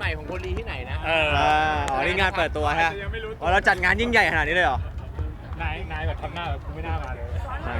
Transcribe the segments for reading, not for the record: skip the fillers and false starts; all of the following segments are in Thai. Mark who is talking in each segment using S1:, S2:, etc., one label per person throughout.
S1: ม่ของคนดีที่ไหนนะ
S2: อ๋อนี่งานเปิดตัวฮะอ๋อเราจัดงานยิ่งใหญ่ขนาดนี้เลยเหรอ
S3: นายแบบทำหน้าแบบกูไม่น่ามาเลย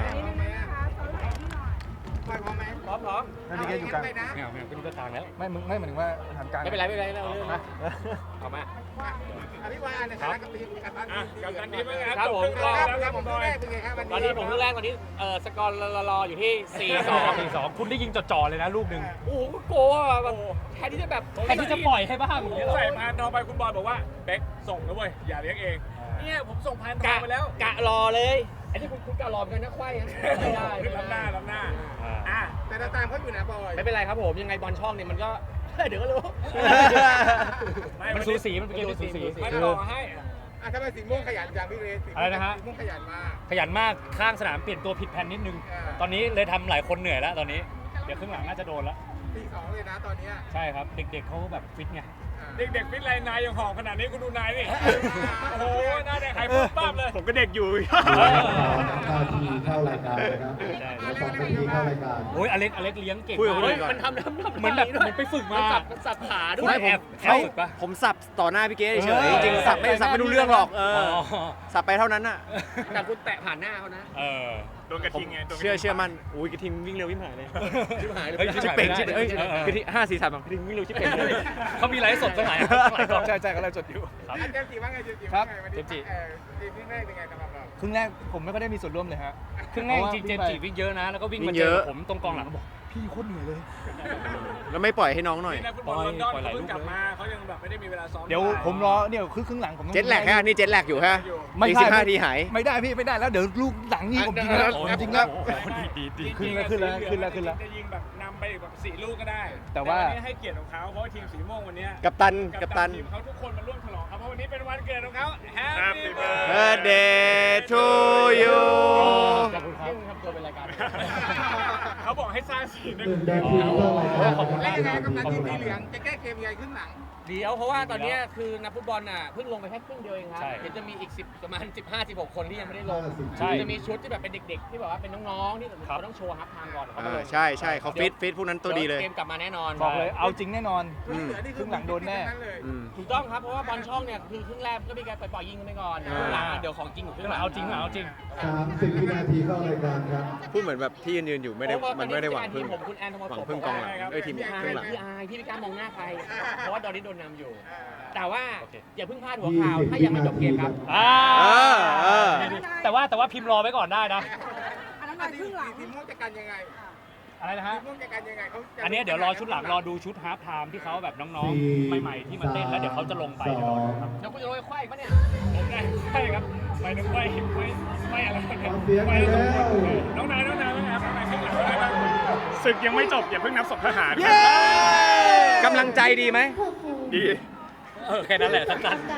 S1: พร้อม
S3: นั่นนี่แกอยู่กลางไม่เอาก็นี่ก็กลางแล้วไม่มึงไม่หมายถึงว่าทำกลาง
S1: ไม่เป็นไรเราเรื่องนะเอามา
S4: อภิวาในฐานะกับทีมกับตันทีมเป็นไง
S1: ครับผมก็
S4: ครับผมแรกเป็นไงครับ
S1: ตอนนี้ผมเรื่องแรกตอนนี้สกอร์รออยู่ที่ 4-2
S3: 4-2คุณได้ยิงจ่อๆเลยนะลูกหนึ่ง
S1: โอ้โหโกอ่ะแบบแทนที่จะแบบ
S3: แทนที่จะปล่อยให้บ้าง
S5: ใส่พานทองไปคุณบอลบอกว่าเบ๊กส่งนะเว้ยอย่าเลี้ยงเองเนี่ยผมส่งพานทองไปแล้ว
S1: กะรอเลยไอ้ที่คุณกะรอเหมือนกันนะควายไม่ได้
S5: คือล้ำหน้าอ่ะ
S4: แต่เราตามเขาอยู่นะบอย
S1: ไม่เป็นไรครับผมยังไงบอลช่องเนี่ยมันก็เดี๋ยวก็รู้
S3: มันสูสีมันเป็นเกมที่สูสี
S5: ไม่ต่อให้
S4: ทำไมสีม่วงขยันจังพี่เรสสีม่วงขยันมาก
S3: ขยันมากข้างสนามเปลี่ยนตัวผิดแผนนิดนึง ตอนนี้เลยทำหลายคนเหนื่อยแล้วตอนนี้เดี๋ยวครึ่งหลังน่าจะโดนแล้ว
S4: 4-2เลยนะตอนนี้
S3: ใช่ครับเด็กๆเขาแบบฟิตไง
S5: เด็กๆฟิตไรนายยังหอมขนาดนี้คุณดูนายนี่โอ้โหหน้าแดงไข่ปุ๊บปั๊บเลยผมก็เด็กอยู่
S6: นาทีเข้ารายการนะครับแล้ว2 นาทีเข้ารายการ
S3: โอ้ยอเล็กเลี้ยงเก่ง
S2: คุยกับคนอื่
S3: มาก
S2: นก่อน
S1: มันทำ
S3: เหมือนแบบเหมือนไปฝึกมา
S1: มันสับขาด้ว
S3: ไม่
S1: ย
S3: แอบฝึกปะ
S2: ผมสับต่อหน้าพี่เก๋เฉยๆจริงๆสับไม่รู้เรื่องหรอกสับไปเท่านั้นน่ะ
S1: แต่คุณแตะผ่านหน้าเขานะ
S5: โดนกระทิงไง
S2: เชื่อมันอุ้ยกระทิงวิ่งเร็ววิ่งหายเลย
S1: ชิบหายเลย
S3: เฮ้ย
S2: ชิบเป่งชิบเอ้ยกระทิง5-4-3กระทิงวิ่งเร็วชิบเป่งเลย
S3: เขามีไลฟ์สดตั้งหลายกล้องใช่ก็ไลฟ์สดอยู่
S4: เจมส์จีว่าไงเจมส์จีว่าไงวันนี้ทีมแรกเป็นไงสำหรับเรา
S7: ครึ่งแรกผมไม่ค่อยได้มีส่วนร่วมเลยฮะ
S3: ครึ่งแรกจริงเจมส์จีวิ่งเยอะนะแล้วก็วิ่งมาเจอผมตรงกองหลังบอกพี่โคตรเหนื่อยเลย
S2: แล้วไม่ปล่อยให้น้องหน่อย
S5: นี่นะฟุตบอลลอนดอนเขาเพิ่งกลับมาเขายังแบบไม่ได้มีเวลาซ้อม
S7: เดี๋ยวผมรอเนี่ยครึ่งหลังผมต้อง
S2: เจ็ตแลกฮะนี่เจ็ตแลกอยู่ฮะ
S7: ไม่
S2: อีก
S7: ใช่
S2: 15 ทีหาย
S7: ไม่ได้พี่ไม่ได้แล้วเดี๋ยวลูกหลังนี่ผมจริงแล้วจริงแล้ว
S3: ดี
S7: ขึ้นแล้ว
S5: จะยิงแบบนำไปแบบ4 ลูกก็ได้
S7: แต่ว่า
S5: นี้ให้เกียรติของเขาเพราะว่าทีมสีม่วงวันนี้
S2: กัปตัน
S5: ทีมเขาทุกคนมาร่วมฉลองครับเพราะวันนี้เป็นวันเกิดของเขา Happy
S2: Birthday to you
S3: ขอบคุณครับ
S1: ทำตัวเป็นรายการ
S5: เขาบอกให้สร้างสีนึง
S6: 1 นาทีเข้ารายการ
S3: ขอบคุณ
S4: แล้วยังไงกับตันทีมสีเหลืองจะแก้เกมยังไงครึ่งหลัง
S1: เดี๋ยวเพราะว่าตอนนี้คือนักฟุตบอลน่ะเพิ่งลงไปแค่ครึ่งเดียวเองครับ
S3: ใช่
S1: เดี๋ยวจะมีอีก10ประมาณ15-16 คนที่ยังไม่ได้ลง
S3: ใช่
S1: จะมีชุดที่แบบเป็นเด็กๆ ที่แบบว่าเป็นน้องๆที่เขาต้องโชว์ฮับไทม์ก่อนเขามาลง
S2: ใช่เขาฟิตพวกนั้นตัวดีเลย
S1: เกมกลับมาแน่นอน
S7: บอกเลยเอาจริงแน่นอน
S4: ครึ่งหลังโดนแน่
S1: ถูกต้องครับเพราะว่าบอลช่องเนี่ยคือครึ่งแรกก็มีการปล่อยยิงกันไปก่อนครึ่งหลังเดี๋ยวของจริงอยู่ครึ่งหลัง
S3: เอาจริง
S6: 30 วินาทีเข้ารายการครับ
S2: พูดเหมือนแบบที่ยืนอยู่ไม่ได้มันไม่ได้หวังพึ่ง
S1: ผมคุณแอนทอมัส
S2: หวังพึ่งกองหลังทีมครึ่งหลัง
S1: พี่อายพี่ไม่กล้ามองหน้าใครเพราะว่าตอนนี้โดนนำอยู่ แต่ว่า
S3: โอเค
S1: อย่าเพิ่งพลาดหัวข่าวถ้ายังไม่จบเกมครับ
S3: แต่ว่าพิมพ์รอไว้ก่อนได้นะ
S4: อันนั้นครึ่งหลังทีมม่วงจะกันยังไง
S3: อะไรนะฮะ
S4: ทีมม่วงจะกันยังไงเขา
S3: อันนี้เดี๋ยวรอชุดหลังรอดูชุดฮาล์ฟไทม์ที่เขาแบบน้องๆใหม่ๆที่มาเต้นแล้วเดี๋ยวเขาจะลงไปเดี๋ยวรอดูครับ
S1: เดี๋ยวคุณจะโรยควายปะเนี่ย
S5: ผมได้ใช่ครับไปนึกไม่อะไร
S6: เสียงไปแล้ว
S5: น้องนายนะครับทำไมข้างหลังอะไรบ้างศึกยังไม่จบอย่าเพิ่งนับศพทหาร
S2: กำลังใจดีไหม
S5: ดี
S3: แค่นั้นแหละสั้น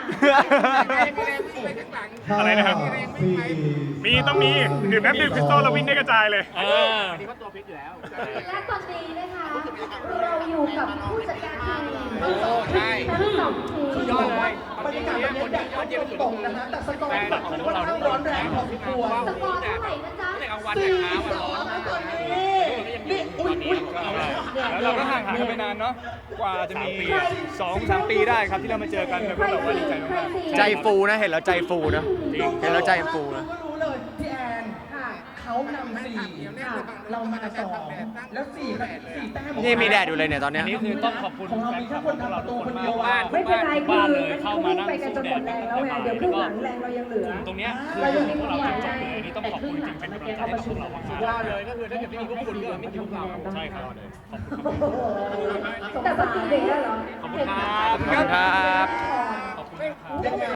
S5: อะไรนะครับ มีต้องมีดื่มน้ำดื่มคริสตัลแล้ววิ่งได้กระจายเลย
S3: ๆ
S1: อันนี้เขาตัวฟิตอยู่แล้ว
S8: และตอนนี้นะคะเราอยู่กับผู้จัดการทีม
S1: โอ้ใช่
S8: ทั้งสองทีม
S1: ยอดเลย
S4: บรรยากาศแบบนี้แดดเขาตกนะฮะแต่สกอร์แบบค่อนข้างร้อนแรงพอสมควร
S8: สกอร์เท่าไหร่นะจ๊ะ
S1: ตั้งแต่กลางวันแต่เช้าอ่ะร้อนมากเลยนะนี่อุ้ย
S7: แล้วเราก็ห่างกันไปนานเนาะกว่าจะมี 2-3 ปีได้ครับที่เรามาเจอกันแล้วก็แบบว่าดีใจมากๆ
S2: ใจฟูนะเห็นแล้วใจฟูนะเห็นแล้วใจฟูนะ
S4: ก็รู้เลยพี่แอน
S8: ค่ะ
S4: เขานำ4เรามา2แล้ว4แต้ม
S2: นี่มีแดดอยู่เลยเนี่ยตอนเนี้
S3: อั
S2: ย
S3: นนี้คือต้องขอบคุณ
S4: ของเรามีแค่คนทำประตูคนเดียวอ่ะ
S8: ไม่เป็นไร
S3: บ้าน
S8: คือ
S3: เลยเข้ามานั่ง
S8: ไปกัน
S3: สู้
S8: จน
S3: แด
S8: หม
S3: ด
S8: ดแรงแล้วไงเดี๋ยวครึ่งหลังแรงเรายังเหลือ
S3: ตรงเนี้ยคือ
S8: เรายังมี
S3: พวก
S8: คน
S3: เรา
S8: ใหญ่
S3: จบเลยอันนี้ต้องขอบคุณจริงๆเป็นกำลังใจให้กับพวกเรามาก
S1: สุดยอดเลยก็คือถ้าเกิดไม่มีพวกคุณก็ไม่มีพวกเรา
S3: ๆใช่ครับขอบคุณ
S8: โอ้โหแต่ภาษาเด็กแล้วเหรอ
S3: ขอบคุณครับ
S2: ขอบคุณครับ
S3: ขอบคุณครับ